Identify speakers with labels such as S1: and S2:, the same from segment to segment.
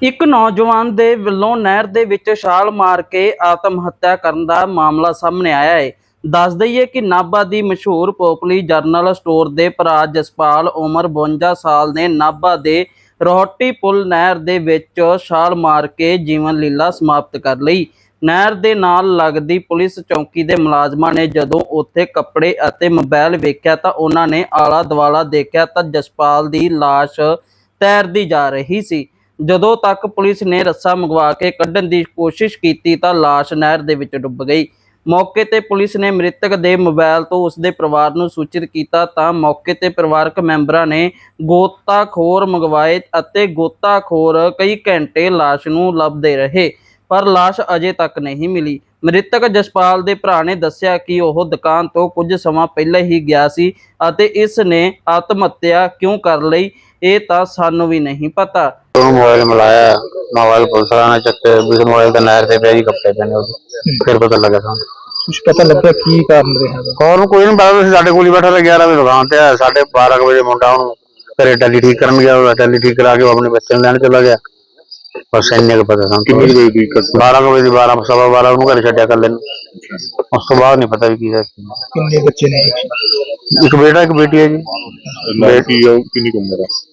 S1: ਇੱਕ ਨੌਜਵਾਨ ਦੇ ਵੱਲੋਂ ਨਹਿਰ ਦੇ ਵਿੱਚ ਛਾਲ ਮਾਰ ਕੇ ਆਤਮ ਹੱਤਿਆ ਕਰਨ ਦਾ ਮਾਮਲਾ ਸਾਹਮਣੇ ਆਇਆ ਹੈ। ਦੱਸ ਦਈਏ ਕਿ ਨਾਭਾ ਦੀ ਮਸ਼ਹੂਰ ਪੋਪਲੀ ਜਰਨਲ ਸਟੋਰ ਦੇ ਭਰਾ ਜਸਪਾਲ ਉਮਰ 52 ਸਾਲ ਨੇ ਨਾਭਾ ਦੇ ਰੋਹਟੀ ਪੁਲ ਨਹਿਰ ਦੇ ਵਿੱਚ ਛਾਲ ਮਾਰ ਕੇ ਜੀਵਨ ਲੀਲਾ ਸਮਾਪਤ ਕਰ ਲਈ। ਨਹਿਰ ਦੇ ਨਾਲ ਲੱਗਦੀ ਪੁਲਿਸ ਚੌਕੀ ਦੇ ਮੁਲਾਜ਼ਮਾਂ ਨੇ ਜਦੋਂ ਉੱਥੇ ਕੱਪੜੇ ਅਤੇ ਮੋਬਾਈਲ ਵੇਖਿਆ ਤਾਂ ਉਹਨਾਂ ਨੇ ਆਲਾ ਦੁਆਲਾ ਦੇਖਿਆ ਤਾਂ ਜਸਪਾਲ ਦੀ ਲਾਸ਼ ਤੈਰਦੀ ਜਾ ਰਹੀ ਸੀ। ਜਦੋਂ ਤੱਕ ਪੁਲਿਸ ਨੇ ਰੱਸਾ ਮੰਗਵਾ ਕੇ ਕੱਢਣ ਦੀ ਕੋਸ਼ਿਸ਼ ਕੀਤੀ ਤਾਂ ਲਾਸ਼ ਨਹਿਰ ਦੇ ਵਿੱਚ ਡੁੱਬ ਗਈ। ਮੌਕੇ ਤੇ ਪੁਲਿਸ ਨੇ ਮ੍ਰਿਤਕ ਦੇ ਮੋਬਾਈਲ ਤੋਂ ਉਸ ਦੇ ਪਰਿਵਾਰ ਨੂੰ ਸੂਚਿਤ ਕੀਤਾ ਤਾਂ ਮੌਕੇ ਤੇ ਪਰਿਵਾਰਕ ਮੈਂਬਰਾਂ ਨੇ ਗੋਤਾਖੋਰ ਮੰਗਵਾਏ ਅਤੇ ਗੋਤਾਖੋਰ ਕਈ ਘੰਟੇ ਲਾਸ਼ ਨੂੰ ਲੱਭਦੇ ਰਹੇ, ਪਰ ਲਾਸ਼ ਅਜੇ ਤੱਕ ਨਹੀਂ ਮਿਲੀ। ਮ੍ਰਿਤਕ ਜਸਪਾਲ ਦੇ ਭਰਾ ਨੇ ਦੱਸਿਆ ਕਿ ਉਹ ਦੁਕਾਨ ਤੋਂ ਕੁਝ ਸਮਾਂ ਪਹਿਲਾਂ ਹੀ ਗਿਆ ਸੀ ਅਤੇ ਇਸ ਨੇ ਆਤਮ ਹੱਤਿਆ ਕਿਉਂ ਕਰ ਲਈ ਇਹ ਤਾਂ ਸਾਨੂੰ ਵੀ ਨਹੀਂ ਪਤਾ।
S2: मोबाइल मिलाया, मोबाइल पुलिस वाला ने चक्के बीस मोबाइल तो नहर से पे कपड़े पहने फिर पता लगा था।
S1: कुछ पता लगा की कारण रहा?
S2: और कोई नहीं पता, साढ़े कोल बैठा था 11 बजे दुकान पे, 12:30 बजे मुंडा घरे टैली ठीक करन गया, टैली ठीक करा के वो अपने बच्चे लैन चला गया। बस इन्ने को पता था। 12 बजे 12 सवा 12 घर छड्या कर लेन, उस तो बाद नहीं पता भी की है।
S1: कितने बच्चे ने?
S2: एक बेटा एक बेटी है जी।
S3: बेटी कितनी उम्र है?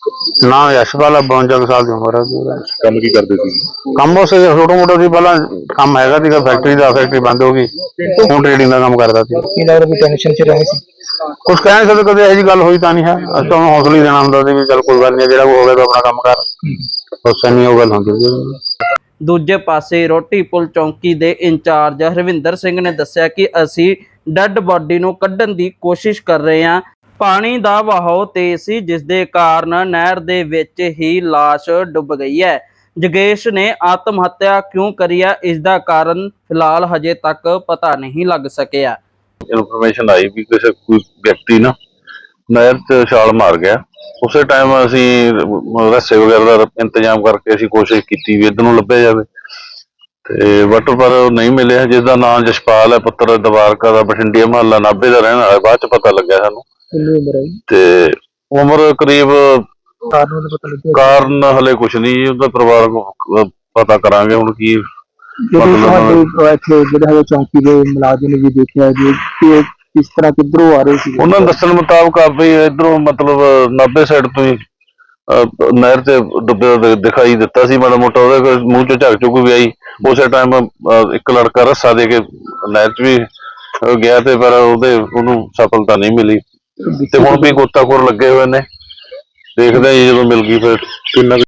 S2: ना यशपाल 52 साल की उम्र है।
S3: काम की करते थे?
S2: ਕੰਮ ਉਸ ਛੋਟਾ ਮੋਟਾ ਸੀ, ਪਹਿਲਾਂ ਕੰਮ ਹੈਗਾ ਸੀਗਾ ਫੈਕਟਰੀ ਦਾ, ਫੈਕਟਰੀ ਬੰਦ ਹੋ ਗਈ, ਹੁਣ ਟ੍ਰੇਡਿੰਗ ਦਾ ਕੰਮ ਕਰਦਾ ਸੀ।
S1: ਟੈਨਸ਼ਨ ਚ ਰਹੇ ਸੀ?
S2: ਕੁਛ ਕਹਿ ਨਹੀਂ ਸਕਦੇ, ਕਦੇ ਇਹੋ ਜਿਹੀ ਗੱਲ ਹੋਈ ਤਾਂ ਨਹੀਂ ਹੈ। ਅਸੀਂ ਤਾਂ ਉਹਨੂੰ ਹੌਸਲਾ ਹੀ ਦੇਣਾ ਹੁੰਦਾ ਸੀ ਵੀ ਚੱਲ ਕੋਈ ਗੱਲ ਨਹੀਂ, ਜਿਹੜਾ ਹੋ ਗਿਆ ਤਾਂ ਆਪਣਾ ਕੰਮ ਕਰ, ਉਸ ਨਹੀਂ ਉਹ ਗੱਲ ਹੁੰਦੀ ਸੀ।
S1: ਦੂਜੇ ਪਾਸੇ ਰੋਟੀ ਪੁਲ ਚੌਂਕੀ ਦੇ ਇੰਚਾਰਜ ਹਰਵਿੰਦਰ ਸਿੰਘ ਨੇ ਦੱਸਿਆ ਕਿ ਅਸੀਂ ਡੈੱਡ ਬਾਡੀ ਨੂੰ ਕੱਢਣ ਦੀ ਕੋਸ਼ਿਸ਼ ਕਰ ਰਹੇ ਹਾਂ। ਪਾਣੀ ਦਾ ਵਹਾਅ ਤੇਜ਼ ਸੀ, ਜਿਸ ਦੇ ਕਾਰਨ ਨਹਿਰ ਦੇ ਵਿੱਚ ਹੀ ਲਾਸ਼ ਡੁੱਬ ਗਈ ਹੈ। ਜਗੇਸ਼ ਨੇ ਆਤਮ ਹੱਤਿਆ ਕਿਉਂ ਕਰੀ ਹੈ, ਇਸ ਦਾ ਕਾਰਨ ਫਿਲਹਾਲ ਹਜੇ ਤੱਕ ਪਤਾ ਨਹੀਂ ਲੱਗ ਸਕਿਆ।
S3: ਇਨਫੋਰਮੇਸ਼ਨ ਆਈ ਵੀ ਕਿਸੇ ਕੋਈ ਵਿਅਕਤੀ ਨਾ ਨਹਿਰ 'ਚ ਛਾਲ ਮਾਰ ਗਿਆ। ਉਸੇ ਟਾਈਮ ਅਸੀਂ ਰੱਸੇ ਵਗੈਰਾ ਦਾ ਇੰਤਜ਼ਾਮ ਕਰਕੇ ਅਸੀਂ ਕੋਸ਼ਿਸ਼ ਕੀਤੀ ਵੀ ਇੱਧਰ ਨੂੰ ਲੱਭਿਆ ਜਾਵੇ, ਤੇ ਪਰ ਨਹੀਂ ਮਿਲਿਆ। ਜਿਸ ਦਾ ਨਾਮ ਜਸਪਾਲ ਹੈ, ਪੁੱਤਰ ਦਵਾਰਕਾ ਦਾ, ਬਠਿੰਡੇ ਮਹੱਲਾ ਨਾਭੇ ਦਾ ਰਹਿਣ ਵਾਲਾ। ਬਾਅਦ 'ਚ ਪਤਾ ਲੱਗਿਆ ਸਾਨੂੰ। ਤੇ ਉਮਰ ਕਰੀਬ, ਕਾਰਨ ਹਲੇ ਕੁਛ ਨਹੀਂ, ਉਹਦਾ ਪਰਿਵਾਰ ਪਤਾ ਕਰਾਂਗੇ ਹੁਣ ਕੀ
S1: ਚੌਂਕੀ ਦੇ ਮੁਲਾਜ਼ਮ ਵੀ ਦੇਖਿਆ ਜੀ ਕਿਸ ਤਰ੍ਹਾਂ ਕਿੱਧਰੋਂ ਆ ਰਹੇ ਸੀ।
S3: ਉਹਨਾਂ ਦੇ ਦੱਸਣ ਮੁਤਾਬਕ ਵੀ ਇਧਰੋਂ ਮਤਲਬ ਨਾਭੇ ਸਾਈਡ ਤੋਂ ਹੀ ਨਹਿਰ ਤੇ ਡੁੱਬਿਆ ਦਿਖਾਈ ਦਿੱਤਾ ਸੀ ਮਾੜਾ ਮੋਟਾ, ਉਹਦੇ ਮੂੰਹ ਚੋਂ ਝੱਗ ਚੁੱਕ ਵੀ ਆਈ। ਉਸੇ ਟਾਈਮ ਇੱਕ ਲੜਕਾ ਰੱਸਾ ਦੇ ਕੇ ਨਹਿਰ 'ਚ ਵੀ ਗਿਆ, ਤੇ ਪਰ ਉਹਨੂੰ ਸਫਲਤਾ ਨਹੀਂ ਮਿਲੀ। ਤੇ ਹੁਣ ਵੀ ਗੋਤਾਖੋਰ ਲੱਗੇ ਹੋਏ ਨੇ, ਦੇਖਦੇ ਹਾਂ ਜੀ ਜਦੋਂ ਮਿਲ ਗਈ ਫਿਰ ਕਿੰਨਾ